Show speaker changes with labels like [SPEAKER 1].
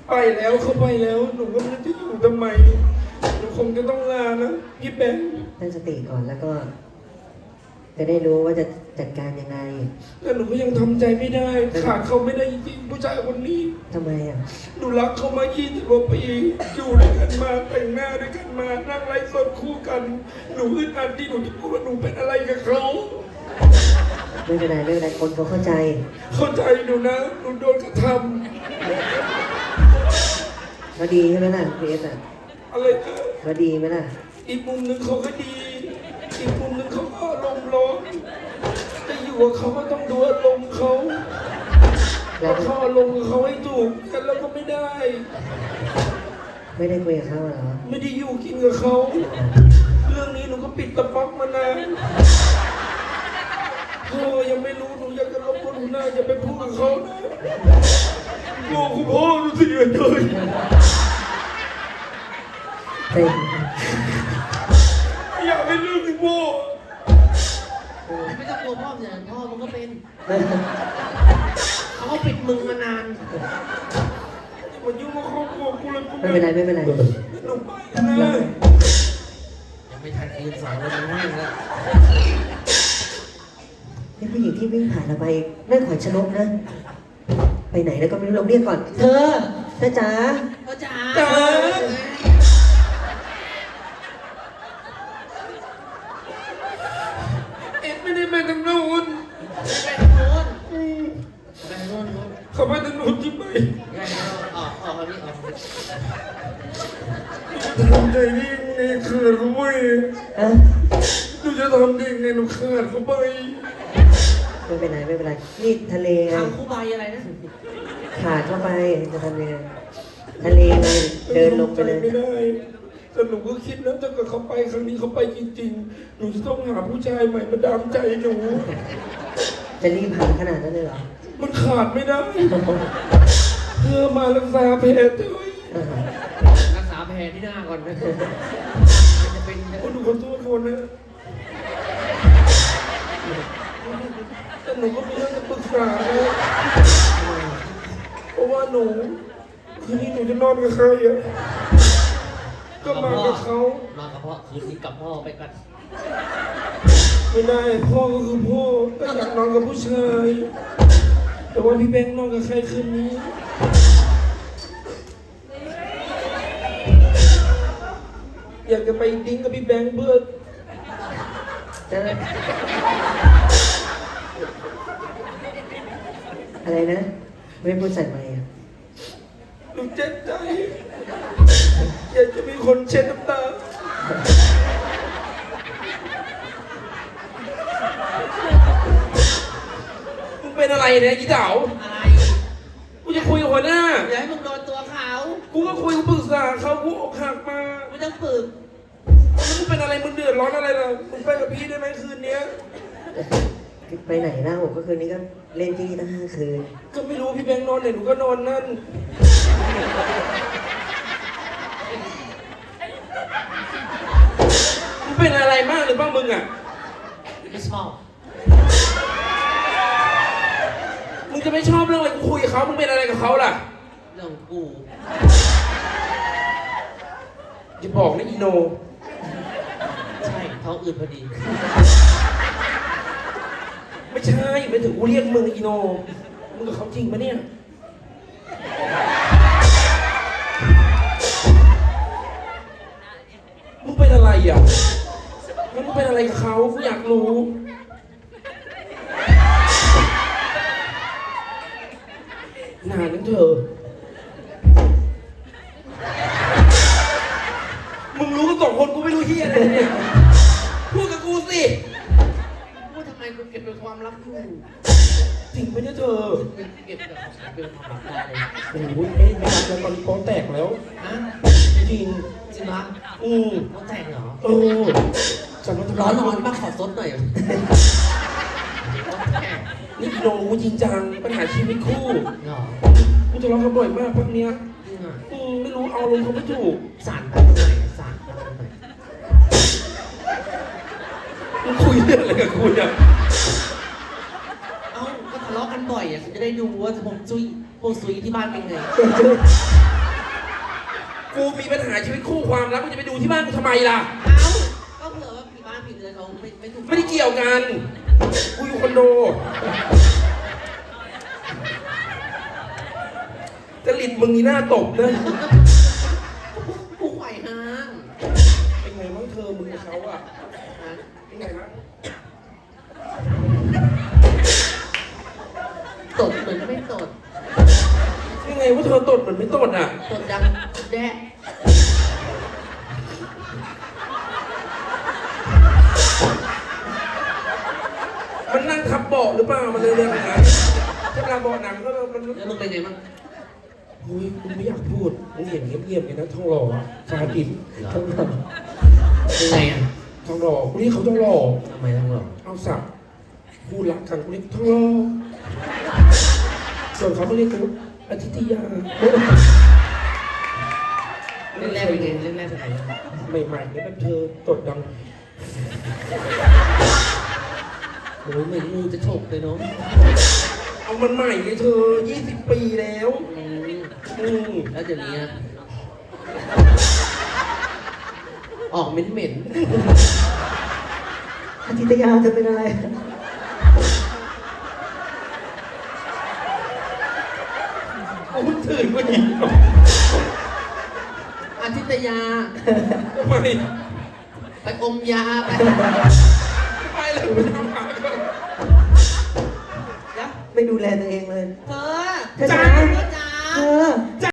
[SPEAKER 1] ไปแล้วเขาไปแล้วหนูก็ไม่รู้จะอยู่ทำไมหนูคงจะต้องลานะพี่แบงค์
[SPEAKER 2] ตั้งสติก่อนแล้วก็จะได้รู้ว่าจะจัดการยังไง
[SPEAKER 1] แต่หนูก็ยังทำใจไม่ได้ขาดเขาไม่ได้จริงๆผู้ชายคนนี้
[SPEAKER 2] ทำไมอ่ะ
[SPEAKER 1] หนูรักเขามา20 กว่าปีอยู่ด้วยกันมาแต่งหน้าด้วยกันมานั่งไลฟ์สดคู่กันหนูอึดอัดที่หนูจะพูดว่าหนูเป็นอะไรกับเขา
[SPEAKER 2] ไม่เป็นไรคนเขาเข้าใจ
[SPEAKER 1] หนูนะหนูโดนกระท
[SPEAKER 2] ำเขาดีใช่ไหมล่ะพีเอสอ่ะ
[SPEAKER 1] อะไรนะ
[SPEAKER 2] เขาดีไหมล่ะ
[SPEAKER 1] อีกมุมหนึ่งเขาก็ดีอีกมุมหนึ่งเขาก็อารมณ์ร้อนแต่อยู่กับเขาก็ต้องดูอารมณ์เขาแล้วเขาอารมณ์กับเขาให้ถูกกันแล้วก็ไม่ได้
[SPEAKER 2] คุยกับเขาเหรอ
[SPEAKER 1] ไม่ได้อยู่กินกับเขาเรื่องนี้หนูก็ปิดตะป๊อกมานานพ่อยังไม่รู้หนูอยากจะรบกวนหนูหน้าอย่าไปพูดกับเขานะโง่คุณพ่อหนูเสียใจอยากให้เรื่องพ่อ
[SPEAKER 3] ไม่ต้องกลัวพ่ออย่างพ่อมันก็เป็นเขาปิดมึงมานาน
[SPEAKER 1] มันยุ่งกับครอบครัวกูเลย
[SPEAKER 2] ไม่เป็นไร
[SPEAKER 1] หนูไปนะ
[SPEAKER 3] ยังไม่ทันคืน2เลยมันให้แล้ว
[SPEAKER 2] นี่ผู้หญิงที่วิ่งผ่านเราไปนั่นขวัญชนกนะไปไหนแล้วก็ไม่รู้เราเรียกก่อนเธอจ๋า
[SPEAKER 1] ไม่ได้ไปทางโน้นเขาไปทางโน้นที่ไปทำใจนี่ไงเขินเขาไปหนูจะทำได้ไงหนูเขินเขาไป
[SPEAKER 2] ไม่เป็นไรนี่ทะเลไง
[SPEAKER 3] ทางคู่ใบอะไรนะ
[SPEAKER 2] ขาดเข้าไปจะทำยังไงทะเลไงเดินลงไปเลย
[SPEAKER 1] ไม่ได้แต่หนูก็คิดนะถ้าเกิดเขาไปครั้งนี้เขาไปจริงๆหนูจะต้องหาผู้ชายใหม่มาดามใจหนู
[SPEAKER 2] จะรีบผ่านขนาดนั้นเลยเหรอ
[SPEAKER 1] มันขาดไม่ได้เพื่อมารักษาแผลด้วย
[SPEAKER 3] รักษาแผลที่หน้าก่อนนะจะเป็น
[SPEAKER 1] หนูขอโทษคนนะแต่หนูก็มีเรื่องจะปรึกษาเพราะว่าหนูคืนนี้หนูจะนอนกับใครอ่ะก็มากับเขา
[SPEAKER 3] มากับพ่อคืนนี้กับพ่อไปกัน
[SPEAKER 1] ไม่ได้พ่อก็คือพ่อก็อยากนอนกับผู้ชายแต่ว่าพี่แบงค์นอนกับใครคืนนี้อยากจะไปดิ้งกับพี่แบงค์เพื่อ
[SPEAKER 2] อะไรนะไม่พูดใส่ไมค์อ่ะ
[SPEAKER 1] หนูเจ็บใจอยากจะมีคนเช็ดน้ำตามึงเป็นอะไรเนี่ยยี่เต๋า
[SPEAKER 3] อะไร
[SPEAKER 1] กูจะคุยกับหัวหน้า
[SPEAKER 3] อย่าให้มึงโดนตัวเขา
[SPEAKER 1] กูก็คุยกูปรึกษาเขากูอกหักมา
[SPEAKER 3] ไม่ต้องฝึก
[SPEAKER 1] มึงเป็นอะไรมึงเดือดร้อนอะไรล่ะมึงไปกับพี่ได้ไหมคืนนี้
[SPEAKER 2] ไปไหนล่ะผมก็คืนนี้ก็เล่นที่นี่ตั้ง5 คืน
[SPEAKER 1] ก็ไม่รู้พี่แบงค์นอนไหนหนูก็นอนนั่นมึงเป็นอะไรมากหรือเปล่ามึงอ่ะ
[SPEAKER 3] ไม่ชอบ
[SPEAKER 1] มึงจะไม่ชอบเรื่องอะไรกูคุยกับเขามึงเป็นอะไรกับเขาล่ะ
[SPEAKER 3] เรื่องกู
[SPEAKER 1] จะบอกนะอีโน
[SPEAKER 3] ใช่ท้องอืดพอดี
[SPEAKER 1] ไม่ใช่ไม่ถึงกูเรียกมึงอีโนมึงกับเขาจริงปะเนี่ยมึงเป็นอะไรอ่ะมึงเป็นอะไรกับเขากูอยากรู้นานนั่นเธอมึงรู้กัน2 คนกูไม่รู้เฮียอะไรเนี่ยพูดกับกูสิ
[SPEAKER 3] พูดทำไมกูเก็บเป็นความลับอยู่
[SPEAKER 1] จริงไหมเนี่ยเธอ
[SPEAKER 3] เก็บเป็นความลับได้เลย
[SPEAKER 1] โอ้ยไม่รักแล้วตอนนี้โป๊แตกแล้ว
[SPEAKER 3] ฮะ
[SPEAKER 1] จริง
[SPEAKER 3] ปะโป๊แตกเหรอ
[SPEAKER 1] จำมัน
[SPEAKER 3] ร้อนมาขอซดหน่อย
[SPEAKER 1] นี่โนจริงจังปัญหาชีวิตคู่กูจะร้องกันบ่อยมากพักเนี้ยไม่รู้เอาลงเขาไม่ถูก
[SPEAKER 3] สารตั้งไหนสารตั้งไหน
[SPEAKER 1] มึงคุยเรื่องอะไรกับกูเนี่ย
[SPEAKER 3] ก็ทะเลาะกันบ่อยอ่ะจะได้ดูว่าผมซุยที่บ้านเป็นไง
[SPEAKER 1] กูมีปัญหาชีวิตคู่ความรักกูจะไปดูที่บ้านกูทำไมล่ะ
[SPEAKER 3] เอ้าก็เผื่อว่าผีบ้านผีเรือนเขาไม่ถูก
[SPEAKER 1] ไม่ได้เกี่ยวกัน กูอยู่คอนโดจริตมึงนี่หน้าตบนะ
[SPEAKER 3] ผู้ไหวห้าง
[SPEAKER 1] เป็นไงบ้างเธอมึงกับเขาอะ
[SPEAKER 3] ฮะ
[SPEAKER 1] เป็นไงบ้าง
[SPEAKER 3] ตดเหมือนไม่ตด
[SPEAKER 1] ยังไงว่าเธอตดเหมือนไม่ตดอ่ะ
[SPEAKER 3] ตดดังแดะ
[SPEAKER 1] มันนั่งทับเบาะหรือเปล่า มันเลยเรื่องอะไรถ้าเราเบาะหนังก็มัน
[SPEAKER 3] แล้วมึงเป็นไงบ้าง
[SPEAKER 1] เฮ้ยมึงไม่อยากพูดมึงเห็นเงียบๆไงนะทองหล่ออะชาดิบ
[SPEAKER 2] ทองหล่อ
[SPEAKER 3] เป็นไงอ่ะ
[SPEAKER 1] ทองหล่อกูเรียกเขาทองหล่อ
[SPEAKER 3] ทำไมต้องหรอ
[SPEAKER 1] เอาสับพูดรักกันกูเรียกทองหล่อส่วนเขาก็เรียกกูอาทิตยา
[SPEAKER 3] เล่นแรกเป็นไงเล่นแรกเป็นไง
[SPEAKER 1] ใหม่ๆเนี่ยแบบเธอตดดัง
[SPEAKER 3] โอ้ยเหมือนงูจะฉกเลยเนาะ
[SPEAKER 1] เอามันใหม่เลยเธอ 20 ปีแล้ว
[SPEAKER 3] แล้วเดี๋ยวนี้นะออกเหม็น
[SPEAKER 2] อาทิตยาจะเป็นอะไร
[SPEAKER 1] กูเพิ่งตื่นกูหยิบ
[SPEAKER 3] ๆอาทิตยา
[SPEAKER 1] ทำไม
[SPEAKER 3] ไปอมยาไป
[SPEAKER 1] ไปเลยไปทำหาก่อน
[SPEAKER 2] ไม่ดูแลตัวเองเลย
[SPEAKER 3] เธอ
[SPEAKER 2] เธอ
[SPEAKER 3] จ้า
[SPEAKER 2] จ๋า
[SPEAKER 3] จ้า
[SPEAKER 2] เธอ